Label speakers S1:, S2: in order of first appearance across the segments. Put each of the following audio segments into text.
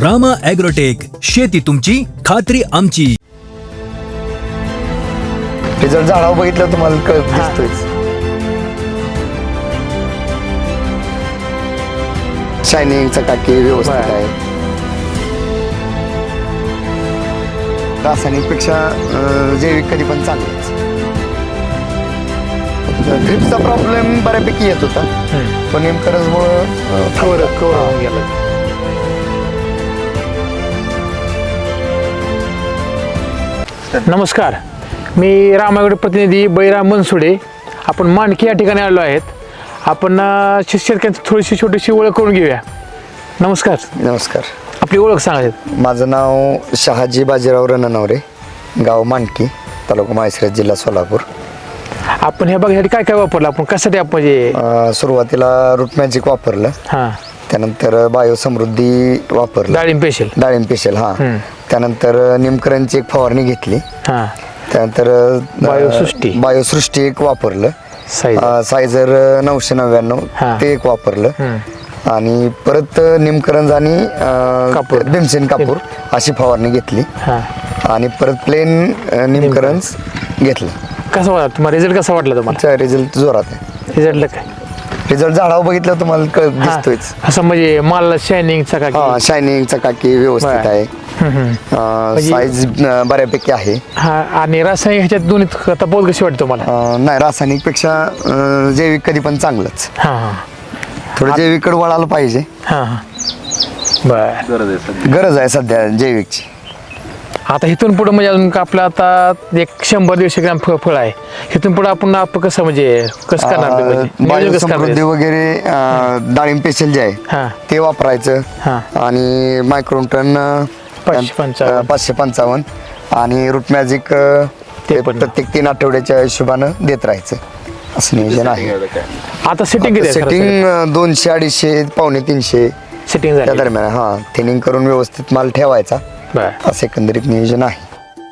S1: Rama agrotech, शेती तुमची, खात्री आमची.
S2: रिझल्ट झाडावर बघितलं तुम्हाला दिसतोय. शायनिंग चकाकी व्यवस्थित आहे. रासायनिक पेक्षा जैविक कधी पण चांगलंच. ड्रिपचा प्रॉब्लेम बऱ्यापैकी येत होता, पण नेमकरंजमुळं
S3: कवर होऊन गेलं. नमस्कार, मी रामागड प्रतिनिधी बैराम मनसुडे. आपण मांडकी या ठिकाणी आलो आहेत. आपण शेतकऱ्यांची थोडीशी छोटीशी ओळख करून घेऊया. नमस्कार.
S2: नमस्कार.
S3: आपली ओळख सांगायची.
S2: माझं नाव शहाजी बाजीराव रणनवरे, गाव मांडकी, तालुका माळशिरस, जिल्हा सोलापूर.
S3: आपण ह्या बघण्यासाठी काय काय वापरलं? आपण कशासाठी आपण म्हणजे
S2: सुरुवातीला रूट मॅजिक वापरलं,
S3: हां,
S2: त्यानंतर बायो समृद्धी वापरलं,
S3: डाळिंब पेशल,
S2: डाळिंब पेशल, हां. त्यानंतर निमकरंजची एक फवारणी घेतली.
S3: हां,
S2: त्यानंतर बायोसृष्टी एक वापरलं, सायझर 999
S3: हां.
S2: ते एक वापरलं, आणि परत निमकरंज आणि भीमसेन कापूर अशी फवारणी घेतली,
S3: हां,
S2: आणि परत प्लेन निमकरंज घेतलं.
S3: कसं वाटलं तुम्हाला? रिझल्ट कसा वाटला तुम्हाला?
S2: रिझल्ट जोरात आहे.
S3: रिझल्टला काय?
S2: रिझल्ट झाडावर बघितलं तुम्हाला दिसतोयच.
S3: असं म्हणजे माल शायनिंग चकाकी,
S2: शायनिंग चकाकी व्यवस्थित आहे. साईज बऱ्यापैकी आहे.
S3: हा, आणि रासायनिक ह्याच्यात दोन्ही तफावत कशी वाटते तुम्हाला?
S2: नाही, रासायनिक पेक्षा जैविक कधी पण चांगलंच.
S3: हां हां,
S2: थोडं जैविककडे वळायला पाहिजे.
S3: हां हां, बर.
S2: गरज आहे सध्या जैविकची.
S3: आता इथून पुढे म्हणजे अजून आपलं आता 100-150 ग्रॅम फळ आहे. इथून पुढे आपण कसं म्हणजे कसं करणार ते म्हणजे? नियोजन कसं करणार?
S2: बायोसमृद्धी वगैरे, डाळिंब पेशल जे
S3: हां.
S2: आहे ते वापरायचं,
S3: हां.
S2: आणि मायक्रोन्टन 555 आणि रूट मॅजिक प्रत्येक 3 आठवड्याच्या हिशोबानं देत राहायचं, असं नियोजन आहे.
S3: आता सेटिंग किती आहे?
S2: सेटिंग 200, 250, पावणे 300
S3: सेटिंग
S2: त्या
S3: झाली.
S2: दरम्यान. हां, थिनिंग करून व्यवस्थित माल ठेवायचा,
S3: बर.
S2: असं एकंदरीत नियोजन आहे.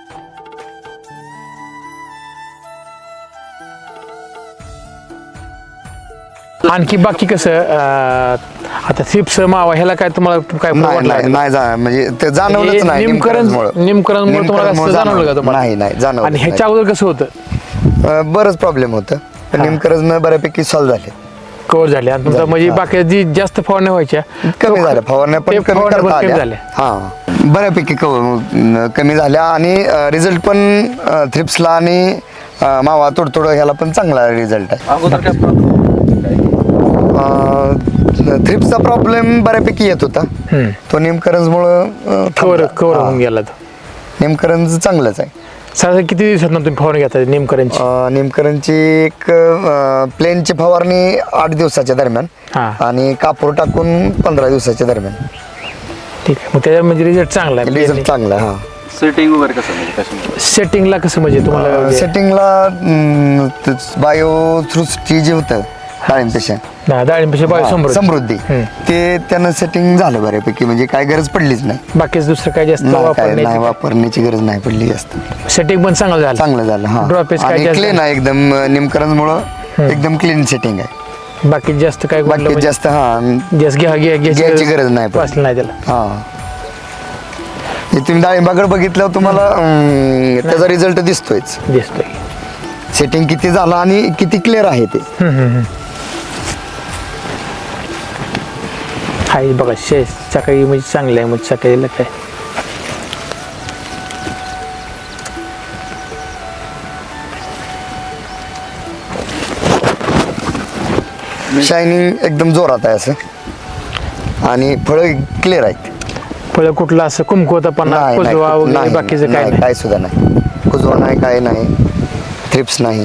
S3: आणखी बाकी कसं आता थ्रिप्स मावा ह्याला काय तुम्हाला काय
S2: म्हणजे ते जाणवलंच नाही.
S3: निमकरंजमुळे तुम्हाला असं जाणवलं का तुम्हाला?
S2: नाही जाणवलं.
S3: आणि ह्याच्या अगोदर कसं होतं?
S2: बरंच प्रॉब्लेम होतं, पण निमकरंज बऱ्यापैकी सॉल्व्ह झाले,
S3: कव्हर झाले. आणि तुमचा म्हणजे बाकी जी जास्त फवारण्या व्हायच्या
S2: कमी झाल्या. फवारण्या पण कमी करता आल्या. हां, बऱ्यापैकी कमी झाल्या, आणि रिझल्ट पण थ्रिप्सला आणि मावा तोडतोड ह्याला पण चांगला रिझल्ट आहे. थ्रिप्सचा प्रॉब्लेम बऱ्यापैकी येत होता, तो निमकरंजमुळं
S3: कव्हर होऊन गेला.
S2: निमकरंज चांगलंच आहे.
S3: साधारण किती दिवसात तुम्ही फवारणी घेता निमकरंजची?
S2: निमकरंजची एक प्लेनची फवारणी 8 दिवसाच्या दरम्यान, आणि कापूर टाकून 15 दिवसाच्या दरम्यान.
S3: ठीक आहे, मग त्याच्या म्हणजे रिझल्ट चांगला आहे.
S2: रिझल्ट चांगला आहे. हां.
S4: सेटिंग वगैरे कसं म्हणजे
S3: सेटिंगला कसं म्हणजे तुम्हाला?
S2: सेटिंगला बायोसृष्टी जे होतं
S3: डाळिंब
S2: समृद्धी, ते त्यानं सेटिंग झालं बऱ्यापैकी, म्हणजे काय गरज पडलीच नाही.
S3: बाकीच दुसरं काय जास्त
S2: वापरण्याची गरज नाही पडली जास्त.
S3: सेटिंग पण चांगलं झालं.
S2: आणि क्लीन आहे एकदम. निमकरंजमुळं एकदम क्लीन सेटिंग आहे.
S3: बाकी जास्त काय
S2: जास्त घ्यायची गरज नाही
S3: त्याला.
S2: हां, तुम्ही डाळिंबाकडे बघितलं तुम्हाला त्याचा रिझल्ट दिसतोय. सेटिंग किती झालं आणि किती क्लिअर आहे ते.
S3: हाय बघा, सकाळी म्हणजे चांगलं आहे. म्हणजे सकाळीला काय
S2: शायनिंग एकदम जोरात आहे असं, आणि फळं क्लिअर आहेत.
S3: फळं कुठलं असं कुमकुवता पण वगैरे बाकीचं
S2: काय सुद्धा नाही. कुजवा नाही, काय नाही, थ्रिप्स नाही,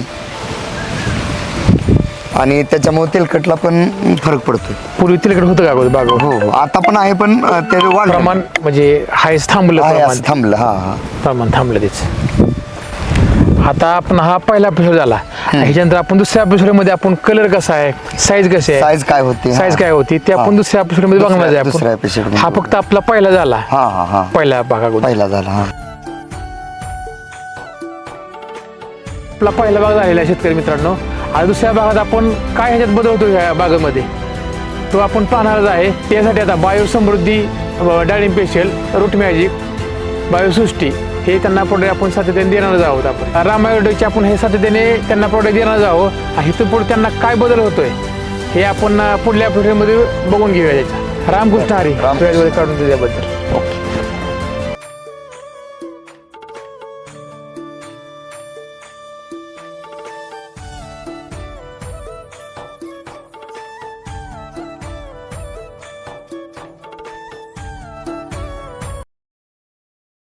S2: आणि त्याच्यामुळे तेलकटला पण फरक पडतो.
S3: पूर्वी तेलकट होतं का बाग?
S2: हो, आता पण आहे, पण ते
S3: प्रमाण म्हणजे हायच थांबलं.
S2: हां,
S3: प्रमाण थांबलं तेच. आता आपण हा पहिला एपिसोड झाला. ह्याच्यानंतर आपण दुसऱ्या एपिसोडमध्ये आपण कलर कसा आहे, साईज कशी आहे,
S2: साईज काय होती
S3: ते आपण दुसऱ्या एपिसोडमध्ये बघणार आहे. हा फक्त आपला पहिला झाला. पहिला
S2: पहिला झाला.
S3: आपला पहिला भाग झालेला आहे शेतकरी मित्रांनो. आणि दुसऱ्या भागात आपण काय ह्याच्यात बदलतो ह्या बागेमध्ये तो आपण पाहणारच आहे. त्यासाठी आता बायोसमृद्धी डाळिंब स्पेशल, रूट मॅजिक, बायोसृष्टी हे त्यांना प्रोडक्ट आपण सातत्याने देणार आहोत. आपण रामायगडचे आपण हे सातत्याने त्यांना प्रोडक्ट देणार आहोत. आणि इथून पुढे त्यांना काय बदल होतोय हे आपण पुढल्या व्हिडिओमध्ये बघून घेऊया. त्याचा रामकृष्ण हरी
S2: रामकृष्ण.
S3: काढून दिल्याबद्दल. ओके.